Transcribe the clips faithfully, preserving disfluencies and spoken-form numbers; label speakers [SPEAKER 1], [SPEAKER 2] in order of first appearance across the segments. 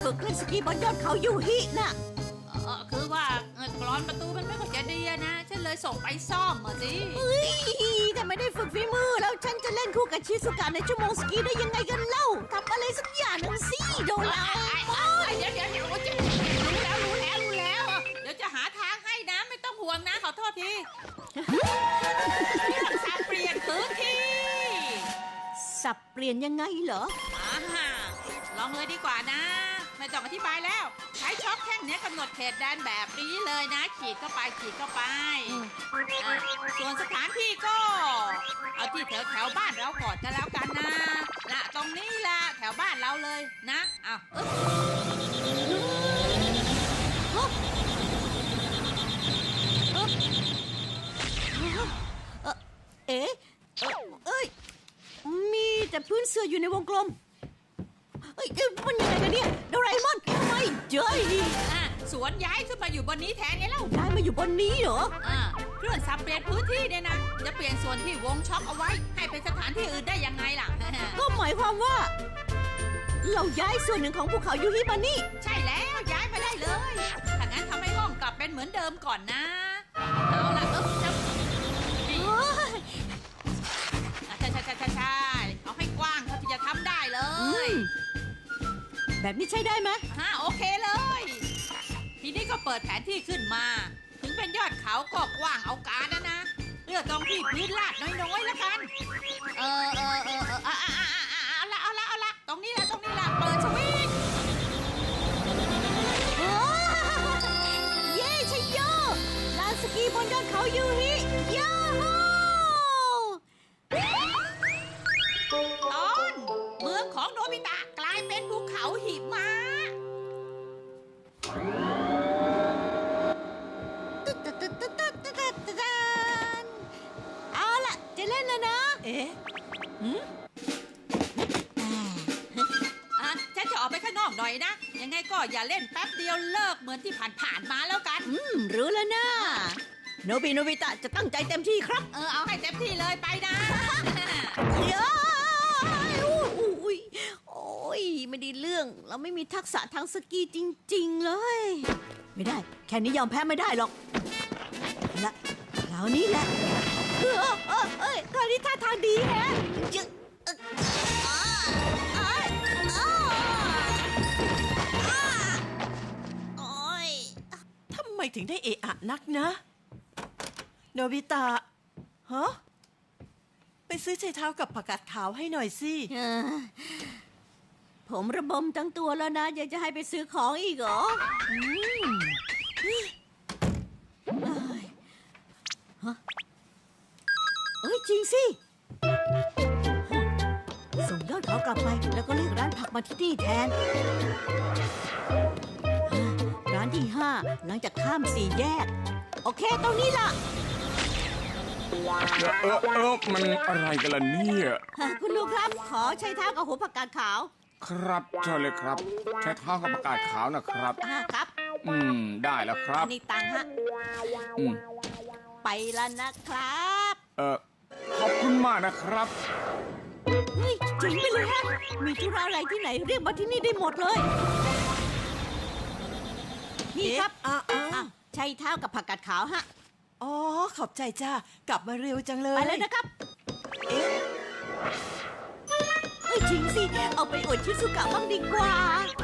[SPEAKER 1] ฝึกเล่นสกีบนยอดเขายูฮิน่ะ
[SPEAKER 2] เออคือว่าเออกรอนประตูมันไม่ค่อยจะดีอะนะ ฉันเลยส่งไปซ่อมมาสิ
[SPEAKER 1] เฮ้ยแต่ไม่ได้ฝึกฝีมือแล้วฉันจะเล่นคู่กับชิซุกะในชั่วโมงสกีได้ยังไงกันเล่าทำอะไรสักอย่างหนึ่งสิโดราเอมอน
[SPEAKER 2] เดี๋ยวเดี๋ยวเดี๋ยวจะรู้แล้วรู้แล้วรู้แล้ว เดี๋ยวจะหาทางให้นะไม่ต้องห่วงนะขอโทษทีเรื่องสับเปลี่ยนพื้นที่
[SPEAKER 1] สับเปลี่ยนยังไงเหรอ
[SPEAKER 2] อ่าฮะลองเลยดีกว่านะ ไม่ต้องอธิบายแล้ว ใช้ช็อคแท่งนี้กำหนดเขตแดนแบบนี้เลยนะ ขีดเข้าไปขีดเข้าไปอ่ะส่วนสถานที่ก็ เอาที่แถวแถวบ้านเราก่อนจะแล้วกันนะละตรงนี้ละแถวบ้านเราเลยนะอ้าวอึ๊บ
[SPEAKER 1] เอ๊ะเอ่อเอ้ย มีแต่พื้นเสื้ออยู่ในวงกลม เอ้ยเอ้ยมันยังไงกันเนี่ยโดราเอมอนไม่เจอ
[SPEAKER 2] อ่ะสวนย้ายขึ้นมาอยู่บนนี้แทนไงเล่า
[SPEAKER 1] ย้ายมาอยู่บนนี้เหรอ
[SPEAKER 2] อ่าเครื่องสับเปลี่ยนพื้นที่เนี่ยนะ จะเปลี่ยนส่วนที่วงช็อคเอาไว้ ให้เป็นสถานที่อื่นได้ยังไงล่ะ
[SPEAKER 1] ก็หมายความว่า เราย้ายส่วนหนึ่งของภูเขายูฮิมานี่
[SPEAKER 2] ใช่แล้วย้ายไปได้เลย ถ้างั้นทำให้ห้องกลับเป็นเหมือนเดิมก่อนนะ เอาล่ะเออจะอ่ะใช่ใช่ใช่ใช่ใช่เอาให้กว้างเท่าที่จะทำได้เล
[SPEAKER 1] อื
[SPEAKER 2] ย
[SPEAKER 1] ม แบบนี้ใช้ได้ไหม
[SPEAKER 2] ฮะโอเคเลย ทีนี้ก็เปิดแผนที่ขึ้นมา ถึงเป็นยอดเขาก็กว้างเอาการนะนะเลือกตรงที่พื้นลาดน้อยๆแล้วกัน เออเออเออเอออ่ะอ่ะอ่ะอ่ะอ่ะเอาละเอาละเอาละตรงนี้ละตรงนี้ละเปิดสวิตช์
[SPEAKER 1] โอ้เย้ชัยโยลานสกีบนยอดเขายูฮิยาฮู
[SPEAKER 2] ตอนเมืองของโนบิตะกลายเป็นภูเขาหิมะ
[SPEAKER 1] ตึ๊ดตึ๊ดตึ๊ดตึ๊ดตึ๊ดตึ๊ดตึ๊ดตึ๊ดเอาล่ะ จะเล่นแล้วนะ
[SPEAKER 2] เอ๊ะอ่ะฉันจะออกไปข้างนอกหน่อยนะ ยังไงก็อย่าเล่นแป๊บเดียวเลิกเหมือนที่ผ่านๆมาแล้วกัน
[SPEAKER 1] อืม รู้แล้วนะ โนบิโนบิตะจะตั้งใจเต็มที่ครับ
[SPEAKER 2] เออเอาให้เต็มที่เลยไปนะ
[SPEAKER 1] เย้อุ้ยโอ้ย ไม่ได้เรื่อง เราไม่มีทักษะทางสกีจริง ๆ เลย ไม่ได้ แค่นี้ยอมแพ้ไม่ได้หรอกละคราวนี้แหละ เออเออเอ้ยคราวนี้ท่าทางดีแฮะยึดเอ่ออ้าอ้ายอ้าอ้าโอ้ย
[SPEAKER 3] ทำไมถึงได้เอะอะนักนะ โนบิตะฮะไปซื้อไชเท้ากับผักกาดขาวให้หน่อยสิ
[SPEAKER 1] เออผมระบมทั้งตัวแล้วนะ ยังจะให้ไปซื้อของอีกเหรออืมเอ้ยฮะเอ้ย จริงสิ ส่งยอดเขากลับไปแล้วก็เรียกร้านผักมาที่นี่แทน ร้านที่ห้าหลังจากข้ามสี่แยก โอเค ตรงนี้ล่ะ
[SPEAKER 4] เออเออเออมันอะไรกันล่ะเนี่ย
[SPEAKER 1] คุณลุงครับ ขอใช้เท้ากับหัวผักกาดขาว
[SPEAKER 4] ครับเชิญเลยครับ ใช้เท้ากับประกาศขาวนะครับ
[SPEAKER 1] อ่าครับ
[SPEAKER 4] อืม ได้แล้วครับ
[SPEAKER 1] นี่ตังค์ฮะ
[SPEAKER 4] อืม
[SPEAKER 1] ไปแล้วนะครับ
[SPEAKER 4] เออขอบคุณมากนะครับ
[SPEAKER 1] เฮ้ยเจ๋งไปเลยฮะ มีธุระอะไรที่ไหนเรียกมาที่นี่ได้หมดเลย นี่ครับ
[SPEAKER 3] เอ๊ะอ่ะอ่ะ
[SPEAKER 1] อ่ะใช้เท้ากับผักกาดขาวฮะ
[SPEAKER 3] อ๋อ ขอบใจจ้ากลับมาเร็วจังเลย
[SPEAKER 1] ไปเลยนะครับ
[SPEAKER 3] เอ๊ะ
[SPEAKER 1] เฮ้ยจริงสิ เอาไปอวดชิซุกะบ้างดีกว่า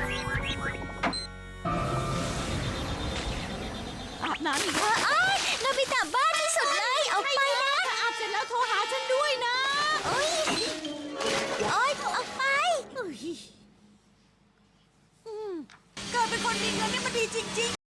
[SPEAKER 1] อาบน้ำอีกแล้วอ้ายนาบิตะบ้าที่สุดเลย เอาไปนะ อาบเสร็จแล้วโทรหาฉันด้วยนะเอ้ยโอ้ยเอาไปเอ้ยอืม
[SPEAKER 3] เกิดเป็นคนมีเงินนี่มันดีจริงๆ